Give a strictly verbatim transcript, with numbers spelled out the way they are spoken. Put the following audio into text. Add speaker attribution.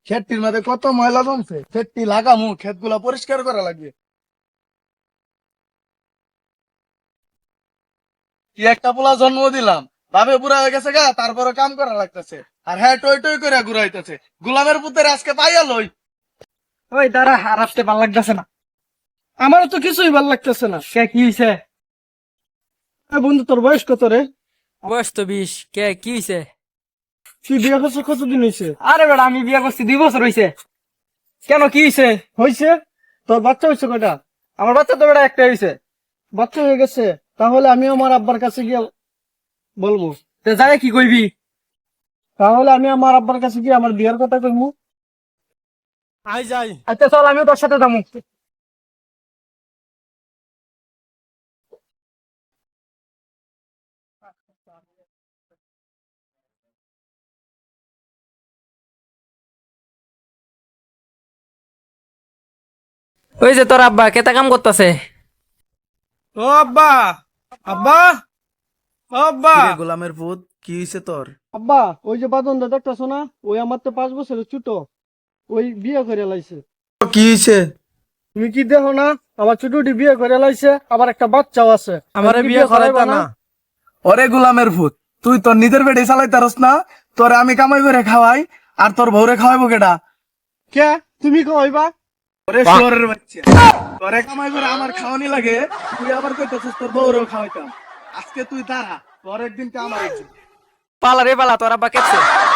Speaker 1: ক্ষেতটির মধ্যে কত ময়লা জমছে, ক্ষেতটি লাগামু, ক্ষেত গুলা পরিষ্কার করা লাগবে। কি একটা পোলা জন্ম দিলাম, ভাবে বুড়া হয়ে গেছে গা, তারপরে কাম করা লাগতেছে, আর হ্যাঁ টই টই করে ঘুরাইতেছে। গোলামের পুতের আজকে পাইয়া লই।
Speaker 2: ওই দাঁড়া, আর আসতে ভাল লাগতেছে না। আমারও তো কিছুই ভাল লাগতেছে না। কে কি হয়েছে? বন্ধু, তোর বয়স কত রে?
Speaker 3: বয়স তো বিশ। কে কি হয়েছে?
Speaker 2: তুই বিয়ে করছিস কতদিন হয়েছে?
Speaker 3: আরে বেটা, আমি বিয়ে করছি দুই বছর হয়েছে। কেন, কি হয়েছে?
Speaker 2: হয়েছে? তোর বাচ্চা হয়েছে কয়টা?
Speaker 3: আমার বাচ্চা তো বেটা একটা হয়েছে।
Speaker 2: বাচ্চা হয়ে গেছে? তাহলে আমি আমার আব্বার কাছে গিয়ে বলবো।
Speaker 3: তো যাই কি কইবি?
Speaker 2: তাহলে আমি আমার আব্বার কাছে গিয়ে আমার বিয়ের কথা কইবো।
Speaker 1: আই যাই।
Speaker 2: আচ্ছা চল, আমিও তোর সাথে যাবো।
Speaker 3: ওই যে তোর আব্বা কেতা কাম করতেছে।
Speaker 2: ও আব্বা, আব্বা, ও আব্বা,
Speaker 1: কিরে গোলামের পুত, কি হইছে তোর?
Speaker 2: আব্বা, ওই যে বাদন দা দেখতেছো না, ওই আমার তো পাঁচ বছরের ছোট, ওই বিয়ে করে লাইছে।
Speaker 1: কি হইছে?
Speaker 2: তুমি কি দেখো না, আমার ছোটটি বিয়ে করে লাইছে, আবার একটা বাচ্চাও আছে।
Speaker 1: আমারে
Speaker 2: তুমি কি
Speaker 1: বিয়ে
Speaker 2: করাইবা
Speaker 1: করাইতা না? ওরে গোলামের ফুট, তুই তোর নিজের পেটে চালাইতারস না? তোরে আমি কামাই করে খাওয়াই, আর তোর বউরে খাওয়াইবো কেডা?
Speaker 2: কে? তুমি কইবা?
Speaker 1: ওরে শুয়োরের বাচ্চা, তোরে কামাই করে আমার খাওয়ানি লাগে, তুই আবার কইতাছিস তোর বউরেও খাওয়াইতাম। আজকে তুই দাঁড়া, তোর একদিন কে আমার একদিন।
Speaker 3: পালা রে পালা, তোর আব্বা কেছে।